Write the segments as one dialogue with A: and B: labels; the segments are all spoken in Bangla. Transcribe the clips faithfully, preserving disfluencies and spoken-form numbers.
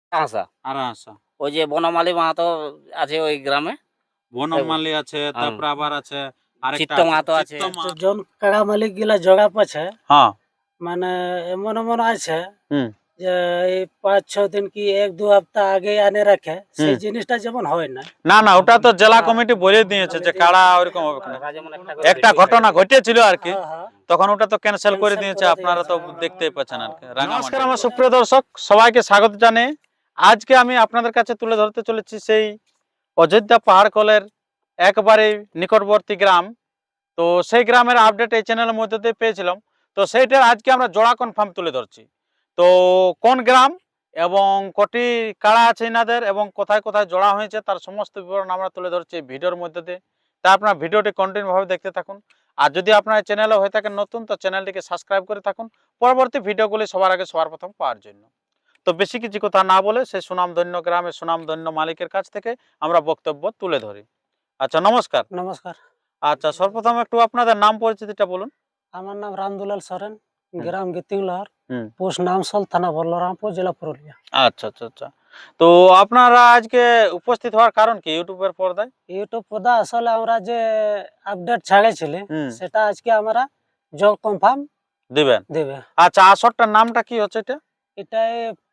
A: আসা
B: আরাহাসা।
A: ওই যে বনমালী মাহাতো আছে ওই গ্রামে।
B: বনমালী আছে,
A: হুম।
B: তারপরে আবার আছে আরেকটা
A: চিত্ত
B: আছে,
A: মাহাতো আছে।
B: চিত্ত মাহাতো।
C: জন কাড়া মালিক গিলা জগা পাছে
B: হ্যাঁ।
C: মানে এমন এমন আছে
B: হুম
C: যে এই পাঁচ ছ দিন কি এক দু সপ্তাহ আগে আনে রাখে, সেই
B: হুম।
C: জিনিসটা যেমন হয় না।
B: না না, ওটা তো জেলা
C: হ্যাঁ।
B: কমিটি বলে দিয়েছে যে কাড়া ওইরকম হবে না।
A: ওরা যেমন একটা করে
B: একটা
A: ভিডিও
B: ঘটনা
A: ছেড়ে দিয়েছে।
B: ঘটেছিল আর কি,
C: হ্যাঁ, হ্যাঁ।
B: তখন ওটা তো ক্যান্সেল করে
C: Cancel
B: দিয়েছে,
C: করে
B: আপনারা তো
C: দিয়েছে।
B: দেখতেই পাচ্ছেন আর কি। নমস্কার আমার সুপ্রিয় দর্শক, সবাইকে স্বাগত জানিয়ে আজকে আমি আপনাদের কাছে তুলে ধরতে চলেছি সেই অযোধ্যা পাহাড় কোলের একবারে নিকটবর্তী গ্রাম। তো সেই গ্রামের আপডেট এই চ্যানেলের মধ্যে দিয়ে পেয়েছিলাম, তো সেইটার আজকে আমরা জোড়া কনফার্ম তুলে ধরছি। তো কোন গ্রাম এবং কটি কাড়া আছে এনাদের এবং কোথায় কোথায় জোড়া হয়েছে তার সমস্ত বিবরণ আমরা তুলে ধরছি এই ভিডিওর মধ্যে দিয়ে। তা আপনার ভিডিওটি কন্টিনিউভাবে দেখতে থাকুন। আর যদি আপনার চ্যানেলে হয়ে থাকেন নতুন, তো চ্যানেলটিকে সাবস্ক্রাইব করে থাকুন পরবর্তী ভিডিওগুলি সবার আগে সবার প্রথম পাওয়ার জন্য। তো বেশি কিছু কথা না বলে সেই সুনামধন্য গ্রামের সুনামধন্য মালিকের কাছ থেকে আমরা বক্তব্য তুলে ধরি। আচ্ছা, নমস্কার।
C: নমস্কার।
B: আচ্ছা, সর্বপ্রথম একটু আপনাদের নাম পরিচিতিটা বলুন।
C: আমার নাম রামদুলাল সরেন,
B: হুম।
C: গ্রাম গীতিংলহর,
B: হুম।
C: পোস্ট নামসল, থানা বলরামপুর, জেলা পুরুলিয়া।
B: আচ্ছা আচ্ছা আচ্ছা। তো আপনারা আজকে উপস্থিত হওয়ার কারণ কি ইউটিউবের পর্দায়?
C: ইউটিউব পদা আসলে আমরা যে আপডেট ছাড়েছিলি
B: হুম।
C: সেটা আজকে আমরা জল কনফার্ম
B: দিবেন।
C: দেবে।
B: আচ্ছা, আসরটার নামটা কি হচ্ছে এটা?
C: এটাই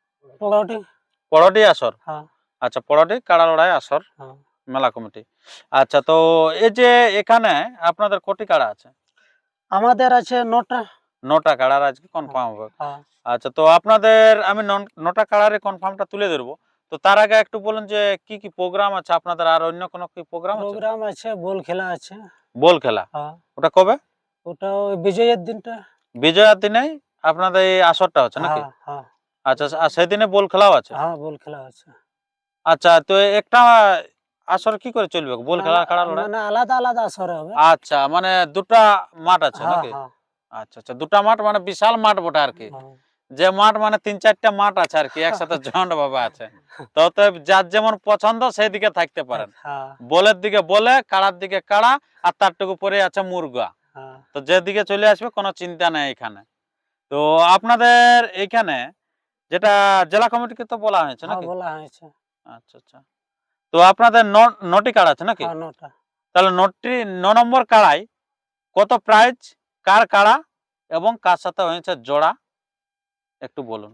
C: পগটি।
B: পড়াটি আসর।
C: হ্যাঁ।
B: আচ্ছা, পড়াটি কাড়া লড়াই আসর
C: হ্যাঁ।
B: মেলা কমিটি। আচ্ছা, তো এই যে এখানে আপনাদের কোটি কাড়া আছে?
C: আমাদের আছে নটা।
B: নটা কাড়ার আজকে কনফার্ম হবে।
C: হ্যাঁ।
B: আচ্ছা, তো আপনাদের আমি নন- নটা কাড়ারে কনফার্মটা তুলে ধরবো। তো তার আগে একটু বলুন যে কি কি প্রোগ্রাম আছে আপনাদের, আর অন্য কোনো কি প্রোগ্রাম আছে?
C: প্রোগ্রাম আছে, বল খেলা আছে।
B: বল খেলা?
C: হ্যাঁ।
B: ওটা কবে?
C: ওটা ওই বিজয়ের দিনটা।
B: বিজয়ার দিনেই আপনাদের এই আসরটা হচ্ছে নাকি?
C: হ্যাঁ, হ্যাঁ।
B: আচ্ছা, আর সেদিনে বল খেলাও আছে?
C: হ্যাঁ, বল খেলা আছে।
B: আচ্ছা, তো একটা আসর কি করে চলবে বল খেলা
C: মানে
B: কাড়া লড়াই?
C: মানে আলাদা আলাদা আসরে হবে।
B: আচ্ছা, মানে দুটা মাঠ আছে
C: হ্যাঁ,
B: নাকি?
C: হ্যাঁ।
B: আচ্ছা আচ্ছা, দুটা মাঠ মানে বিশাল মাঠ বটে আর কি।
C: হ্যাঁ।
B: যে মাঠ মানে তিন চারটা মাঠ আছে আর কি একসাথে জয়েন্ট ভাবে আছে। তো তো যার যেমন পছন্দ সেই দিকে থাকতে পারেন।
C: হ্যাঁ,
B: বলের দিকে বলে, কাড়ার দিকে কাড়া, আর তারটুকু পরে আছে মুরগা।
C: হ্যাঁ।
B: তো যেদিকে চলে আসবে কোনো চিন্তা নেই এখানে। তো আপনাদের এইখানে যেটা জেলা কমিটিকে তো বলা হয়েছে
C: হ্যাঁ,
B: নাকি?
C: বলা হয়েছে।
B: আচ্ছা আচ্ছা। তো আপনাদের ন- নটি কাড়া আছে নাকি?
C: হ্যাঁ, নটা।
B: তাহলে নটি ন নম্বর কাড়াই কত প্রাইজ, কার কাড়া এবং কার সাথে হয়েছে জোড়া একটু বলুন।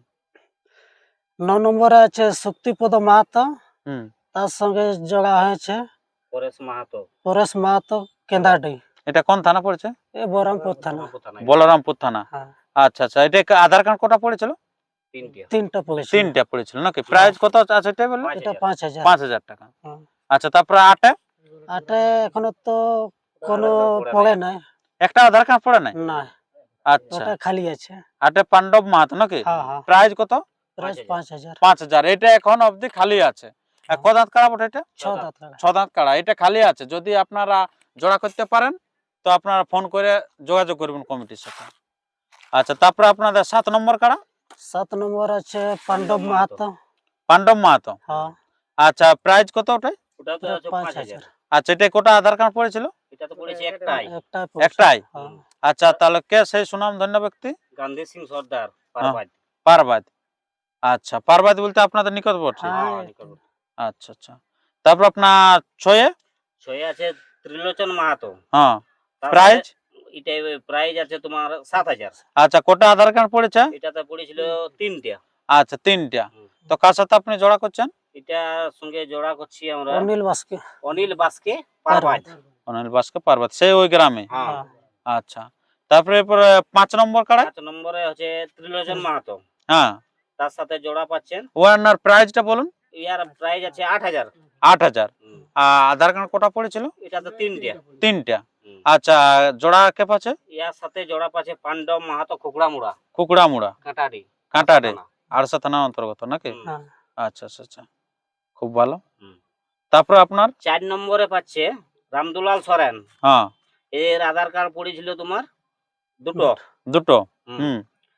C: ন নম্বরে আছে শক্তিপদ মাহাতো,
B: হুম।
C: তার সঙ্গে জোড়া হয়েছে
A: পরেশ মাহাতো।
C: পরেশ মাহাতো, কেন্দাডি।
B: এটা কোন থানা পড়েছে?
C: এ বহরমপুর থানা।
A: বহরমপুর থানায়।
B: বলরামপুর থানা।
C: হ্যাঁ।
B: আচ্ছা আচ্ছা, এটা কা- আধার কার্ড কটা পড়েছিল?
A: তিনটে।
C: তিনটা পড়েছে।
B: তিনটা পড়েছিল নাকি? প্রাইজ কত আছে এটা বললেন?
A: পাঁচ
C: এটা
A: হাজার।
C: পাঁচ হাজার।
B: পাঁচ হাজার টাকা।
C: হ্যাঁ।
B: আচ্ছা, তারপরে আটে
C: আটে এখনো তো কোনো পড়ে নাই।
B: একটা আধার কার্ড পড়ে নাই?
C: না,
B: আচ্ছা,
C: ওটা খালি আছে।
B: আটে পাণ্ডব মাহাতো নাকি?
C: হ্যাঁ, হ্যাঁ।
B: প্রাইজ কত?
C: প্রাইস পাঁচ হাজার।
B: পাঁচ হাজার। এটা এখন অবধি খালি আছে। আর ক দাঁত কাড়া বটে এটা?
C: ছ দাঁত লাগা।
B: ছ দাঁত কাড়া, এটা খালি আছে। যদি আপনারা জোড়া করতে পারেন তো আপনারা ফোন করে যোগাযোগ করবেন কমিটির সাথে। আচ্ছা, তারপরে আপনাদের সাত নম্বর কাড়া?
C: সাত নম্বর আছে পাণ্ডব মাহাতো।
B: পাণ্ডব মাহাতো।
C: হ্যাঁ।
B: আচ্ছা, প্রাইজ কত ওটাই?
A: ওটা তো
C: ওটা
A: আছে
C: পাঁচ
A: পাঁচ
C: হাজার।
A: হাজার।
B: আচ্ছা, এটা কোটা আধার কার্ড পড়েছিল?
A: এটা তো পড়েছে একটাই।
C: একটাই পড়েছে।
B: একটাই?
C: হ্যাঁ।
B: আচ্ছা, তাহলে কে সেই সুনাম ধন্য ব্যক্তি?
A: গান্ধী সিং সর্দার পারবাদ।
B: পারবাদ। আচ্ছা, পারবাদ বলতে আপনাদের নিকটবর্তী?
C: হ্যাঁ।
A: হ্যাঁ, নিকটবর্তী।
B: আচ্ছা আচ্ছা। তারপর আপনার ছয়ে?
A: ছয়ে আছে ত্রিলোচন মাহাতো।
B: হ্যাঁ।
A: তার
B: প্রাইজ?
A: সাথে এটাই প্রাইজ আছে তোমার সাত হাজার।
B: আচ্ছা, কোটা আধার কার্ড পড়েছে?
A: এটাতে পড়েছিল তিনটা।
B: আচ্ছা, তিনটা।
A: হুম।
B: তো কার সাথে আপনি জোড়া করছেন?
A: এটার সঙ্গে জোড়া করছি আমরা
C: অনিল বাস্কে।
A: অনিল বাসকে পারবাদ।
B: অনিল বাসকে পারবাদ, সেই ওই গ্রামে?
A: হ্যাঁ।
C: হ্যাঁ।
B: আচ্ছা, তারপরে এরপরে পাঁচ নম্বর কাড়া?
A: পাঁচ নম্বরে হচ্ছে ত্রিলোচন মাহাতো।
B: হ্যাঁ।
A: তার সাথে জোড়া পাচ্ছেন।
B: ওনার প্রাইজটা বলুন।
A: ইয়ার প্রাইজ আছে আট হাজার।
B: আট হাজার। আর আধার কার্ড কোটা পড়েছিল?
A: এটাতে তিনটা।
B: তিনটা।
A: হুম।
B: আচ্ছা, জোড়া কে পাচ্ছে?
A: ইয়ার সাথে জোড়া পাচ্ছে পাণ্ডব মাহাতো খুকড়া মুড়া
B: কুকুড়া মুড়া
A: কাঁটারি।
B: কাঁটারে
A: থানা।
B: আরসা থানার অন্তর্গত নাকি?
A: হুম।
C: হ্যাঁ।
B: আচ্ছা আচ্ছা আচ্ছা, খুব ভালো।
A: হুম।
B: তারপর আপনার?
A: চার নম্বরে পাচ্ছে রামদুলাল সরেন।
B: হ্যাঁ।
A: এর আধার কার্ড পড়েছিল তোমার দুটো।
B: দুটো।
A: হুম।
B: হুম।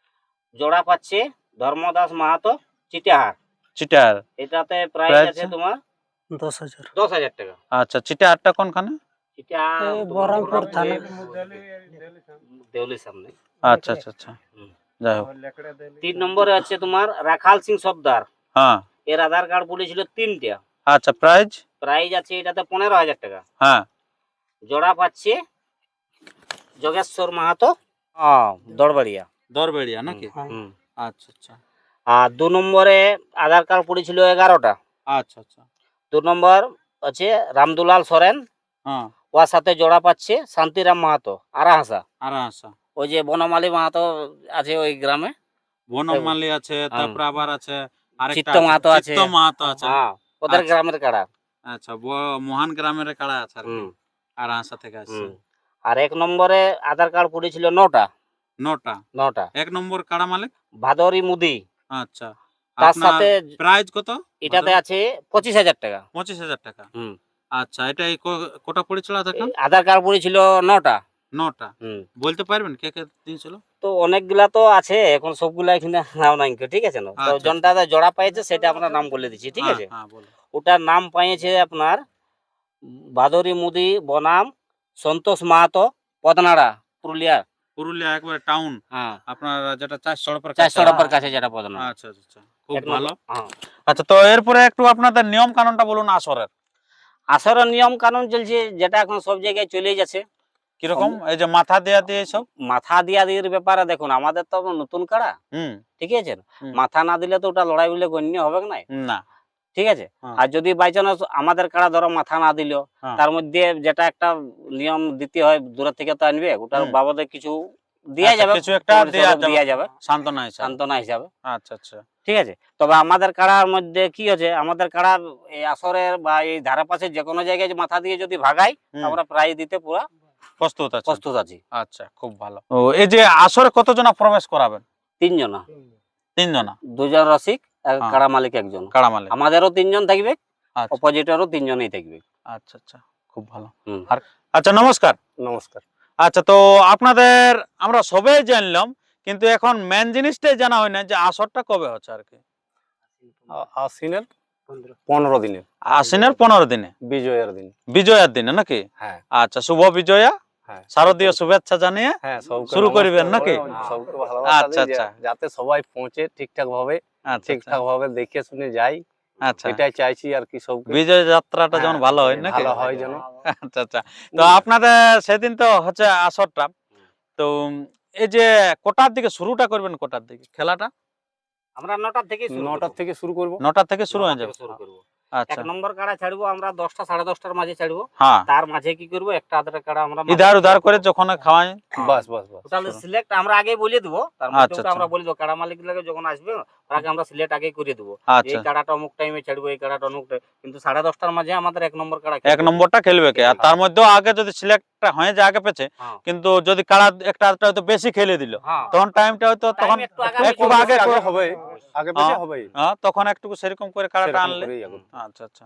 A: জোড়া পাচ্ছে ধর্মদাস মাহাতো চিটাহার।
B: চিটার।
A: এটাতে প্রাইস
B: প্রাইস
A: আছে তোমার
C: দশ হাজার।
A: দশ হাজার টাকা।
B: আচ্ছা, চিটারটা কোনখানে?
A: এটা
C: এই
A: তোমার
C: বহরমপুর থানা।
A: দেউলির সামনে।
B: আচ্ছা আচ্ছা আচ্ছা,
A: হুম।
B: যাই হোক।
A: তিন নম্বরে আছে তোমার রাখাল সিং সর্দার।
B: হ্যাঁ।
A: এর আধার কার্ড পড়েছিল তিনটা।
B: আচ্ছা, প্রাইজ?
A: প্রাইজ আছে এটাতে পনেরো হাজার টাকা।
B: হ্যাঁ।
A: জোড়া পাচ্ছে যোগেশ্বর মাহাতো, হ্যাঁ, দড়বাড়িয়া।
B: দরবেড়িয়া নাকি?
A: হুম।
B: আচ্ছা আচ্ছা
A: আর দু নম্বরে আধার কার্ড পড়েছিল এগারোটা।
B: আচ্ছা আচ্ছা।
A: দু নম্বর আছে রামদুলাল সরেন,
B: হ্যাঁ।
A: ওর সাথে জোড়া পাচ্ছে শান্তিরাম মাহাতো, আরাহাসা।
B: আর আসা
A: ওই যে বনমালী মাহাতো আছে ওই গ্রামে।
B: বনমালী আছে, তারপর আবার আছে আরেকটা
A: চিত্ত
B: আছে,
A: মাহাতো আছে।
B: চিত্ত মাহাতো আছে।
A: হ্যাঁ, ওদের
B: আচ্ছা।
A: গ্রামের কাড়া।
B: আচ্ছা, ব- মহান গ্রামের কাড়া আছে আর কি।
A: হুম।
B: আর আসা থেকে আসছে।
A: হুম। আর এক নম্বরে আধার কার্ড পড়েছিল নটা।
B: নটা।
A: নটা।
B: এক নম্বর কাড়া মালিক
A: ভাদরি মুদি।
B: আচ্ছা।
A: তার
B: আপনার
A: সাথে
B: প্রাইজ কত?
A: এটাতে আছে পঁচিশ হাজার টাকা।
B: পঁচিশ হাজার টাকা।
A: হুম।
B: আচ্ছা, এটা এই ক- কটা পড়েছিল আধার কার্ড?
A: আধার কার্ড পড়েছিল নটা।
B: নটা।
A: হুম।
B: বলতে পারবেন কে কে দিয়েছিল?
A: তো অনেকগুলা তো আছে, এখন সবগুলা এখানে নাম নাই, ঠিক আছে না? তো
B: আচ্ছা,
A: জনটা জোড়া পাইছে সেটা আমরা নাম বলে দিচ্ছি, ঠিক
B: হ্যাঁ,
A: আছে?
B: হ্যাঁ, বলো।
A: ওটার নাম পাইছে আপনার ভাদরি মুদি বনাম সন্তোষ মাহাতো, পদনাড়া, পুরুলিয়া।
B: পুরুলিয়া একবারে টাউন,
A: হ্যাঁ,
B: আপনার যেটা চার সড়কের
A: চার
B: কাছে।
A: সড়কের কাছে যেটা পদনাড়া।
B: আচ্ছা আচ্ছা আচ্ছা, খুব
A: এক নম্বর-
B: ভালো।
A: হ্যাঁ।
B: আচ্ছা, তো এরপরে একটু আপনাদের নিয়ম কানুনটা বলুন আসরের।
A: আসরের নিয়ম কানুন চলছে যেটা এখন সব জায়গায় চলে যাচ্ছে।
B: কিরকম? এই যে মাথা দেয়া দিয়ে সব।
A: মাথা দিয়া দিয়ের ব্যাপারে দেখুন, আমাদের তো নতুন কাড়া,
B: হুম।
A: ঠিক আছে?
B: হুম।
A: মাথা না দিলে তো ওটা লড়াই বলে গণ্য হবে না,
B: না।
A: ঠিক আছে?
B: হ্যাঁ।
A: আর যদি বাই চান্স আমাদের কাড়া ধরো মাথা না দিল,
B: হ্যাঁ।
A: তার মধ্যে যেটা একটা নিয়ম দিতে হয়, দূরের থেকে তো আনবে, ওটার
B: হুম।
A: বাবদে কিছু দেয়া
B: আচ্ছা,
A: যাবে,
B: কিছু একটা দেয়া যাবে।
A: দেয়া যাবে
B: সান্ত্বনা হিসাবে।
A: সান্ত্বনা হিসাবে,
B: আচ্ছা আচ্ছা।
A: ঠিক আছে? তবে আমাদের কাড়ার মধ্যে কি হচ্ছে, আমাদের কাড়ার এই আসরের বা এই ধারে পাশে যে কোনো জায়গায় যে মাথা দিয়ে যদি ভাগাই,
B: হুম।
A: আমরা প্রাইজ দিতে পুরো
B: প্রস্তুত আছে।
A: প্রস্তুত আছি।
B: আচ্ছা, খুব ভালো। ও, এই যে আসরে কতজনা প্রবেশ করাবেন?
A: তিনজনা,
B: তিনজনা।
A: দুজন রসিক, এক
B: হ্যাঁ।
A: কাড়া মালিক একজন।
B: কাড়া মালিক।
A: আমাদেরও তিনজন থাকবে,
B: আচ্ছা
A: অপোজিটেরও তিনজনই থাকবে।
B: আচ্ছা আচ্ছা, খুব ভালো।
A: হুম।
B: আর আচ্ছা, নমস্কার।
A: নমস্কার।
B: আচ্ছা, তো আপনাদের আমরা সবাই জানলাম, কিন্তু এখন মেন জিনিসটাই জানা হয় না যে আসরটা কবে হচ্ছে আর কি।
D: আশ্বিনের পনেরো দিনে,
B: আশ্বিনের পনেরো দিনে,
D: বিজয়ের দিন।
B: বিজয়ার দিনে নাকি?
D: হ্যাঁ
B: আচ্ছা, শুভ বিজয়া,
D: হ্যাঁ
B: শারদীয় শুভেচ্ছা জানিয়ে
D: হ্যাঁ, সবকে
B: শুরু
D: নমস্কার
B: করিবেন নাকি?
D: করে সবকে ভালোবাসা
B: আচ্ছা
D: দিই,
B: আচ্ছা
D: যা- যাতে সবাই পৌঁছে ঠিকঠাক ভাবে
B: আচ্ছা
D: ঠিকঠাক ভাবে দেখে শুনে যাই,
B: আচ্ছা।
D: এটাই চাইছি আর কি সবকে।
B: বিজয় যাত্রাটা যেমন
D: হ্যাঁ,
B: ভালো হয় নাকি?
D: ভালো হয় যেন।
B: আচ্ছা আচ্ছা। তো আপনাদের সেদিন তো হচ্ছে আসরটা, তো এই যে কটার দিকে শুরুটা করবেন, কটার দিকে খেলাটা?
A: আমরা নটার থেকে শুরু
D: নটার
A: করবো।
D: থেকে শুরু করব।
B: নটার থেকে শুরু হয়ে
A: নটার
B: যাবে।
A: থেকে শুরু করবো।
B: আচ্ছা,
A: এক নম্বর কাড়া ছাড়বো আমরা দশটা সাড়ে দশটার মাঝে ছাড়বো।
B: হ্যাঁ।
A: তার মাঝে কি করবো, একটা আধার কাড়া আমরা
B: ইধার উধার করে যখন খাওয়াই।
D: বাস বাস বাস।
A: তাহলে সিলেক্ট আমরা আগে বলে দেবো, তার মধ্যে
B: আচ্ছা,
A: ওটা আমরা
B: আচ্ছা।
A: বলে দেবো, কাড়া মালিক লাগে যখন আসবে তাকে আমরা সিলেক্ট আগে করে দেবো,
B: আচ্ছা,
A: এই কাড়াটা অমুক টাইমে ছাড়বো, এই কাড়াটা অমুক time- কিন্তু সাড়ে দশটার মাঝে আমাদের এক নম্বর কাড়া
B: এক নম্বরটা খেলবে কে? আর তার মধ্যেও আগে যদি সিলেক্ট হয়ে যায় আগে পেছে,
A: হ্যাঁ।
B: কিন্তু যদি কাড়া একটা আধটা হয়তো বেশি খেলে দিল,
A: হ্যাঁ।
B: তখন টাইমটা হয়তো তখন
A: Time একটু আগামী
B: একটু
A: চলবে,
B: আগে
D: আগে
B: করে-
D: হবে, আগে পেছে
B: হ্যাঁ।
D: হবে,
B: হ্যাঁ, তখন একটু সেরকম করে কাড়াটা
D: সেরকম
B: আনলে।
D: করেই আগে।
B: আচ্ছা আচ্ছা।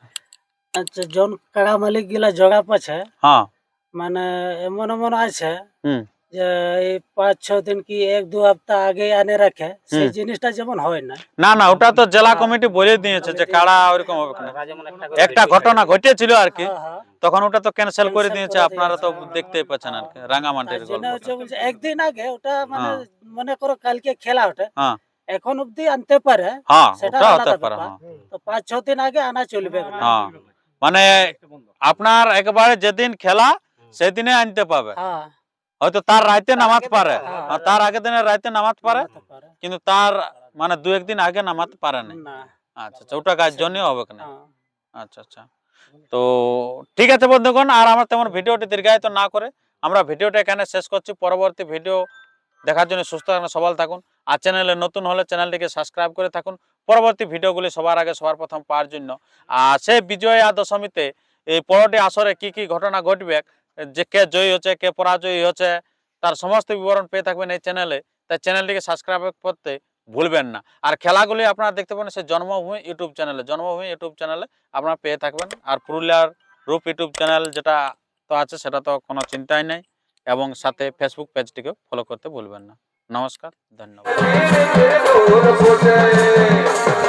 C: আচ্ছা, জন কাড়া মালিক গিলা জগা পাছে
B: হ্যাঁ।
C: মানে এমন এমন আছে
B: হুম।
C: যে এই পাঁচ ছ দিন কি এক দু সপ্তাহ আগে আনে রাখে, সেই
B: হুম।
C: জিনিসটা যেমন হয় না।
B: না না, ওটা তো জেলা কমিটি বলে দিয়েছে যে কাড়া ওইরকম হবে না।
A: ওরা যেমন একটা
B: একটা ঘটনা ঘটেছিল আর কি,
C: হ্যাঁ, হ্যাঁ।
B: তখন ওটা তো ক্যান্সেল করে
C: Cancel
B: দিয়েছে,
C: করে
B: আপনারা তো
C: দিয়েছে।
B: দেখতেই পাচ্ছেন আর কি, রাঙ্গামাটির
C: তার জন্য
B: গল্প।
C: হচ্ছে বলছে একদিন আগে ওটা মানে
B: হ্যাঁ।
C: মনে করো কালকে খেলা ওঠে,
B: হ্যাঁ
C: এখন অব্দি আনতে পারে,
B: হ্যাঁ,
C: সেটা
B: ওটা
C: আলাদা
B: হতে পারে।
C: ব্যাপার।
B: হ্যাঁ
C: তো পাঁচ ছ দিন আগে আনা চলবে না।
B: হ্যাঁ, মানে আপনার একবারে যেদিন খেলা সেদিনে আনতে পাবে,
C: হ্যাঁ,
B: হয়তো তার রাইতে নামাজ পারে,
C: হ্যাঁ।
B: আর তার আগের দিনে রাইতে নামাজ পারে,
C: আনাতে পারে।
B: কিন্তু তার মানে দু একদিন আগে নামাতে পারে না।
C: না,
B: আচ্ছা আচ্ছা, ওটা কাজ জন্য হবে না।
C: হ্যাঁ।
B: আচ্ছা আচ্ছা, তো ঠিক আছে বন্ধুগণ, আর আমরা তেমন ভিডিওটি দীর্ঘায়িত না করে আমরা ভিডিওটা এখানে শেষ করছি। পরবর্তী ভিডিও দেখার জন্য সুস্থ থাকুন, সবল থাকুন, আর চ্যানেলে নতুন হলে চ্যানেলটিকে সাবস্ক্রাইব করে থাকুন পরবর্তী ভিডিওগুলি সবার আগে সবার প্রথম পাওয়ার জন্য। আর সেই বিজয়া দশমীতে এই পরটি আসরে কি কি ঘটনা ঘটবে, যে কে জয়ী হচ্ছে কে পরাজয়ী হচ্ছে, তার সমস্ত বিবরণ পেয়ে থাকবেন এই চ্যানেলে। তাই চ্যানেলটিকে সাবস্ক্রাইব করতে ভুলবেন না। আর খেলাগুলি আপনারা দেখতে পাবেন সেই জন্মভূমি ইউটিউব চ্যানেলে, জন্মভূমি ইউটিউব চ্যানেলে আপনারা পেয়ে থাকবেন। আর পুরুলিয়ার রূপ ইউটিউব চ্যানেল যেটা তো আছে, সেটা তো কোনো চিন্তাই নেই, এবং সাথে ফেসবুক পেজটিকেও ফলো করতে ভুলবেন না। নমস্কার, ধন্যবাদ।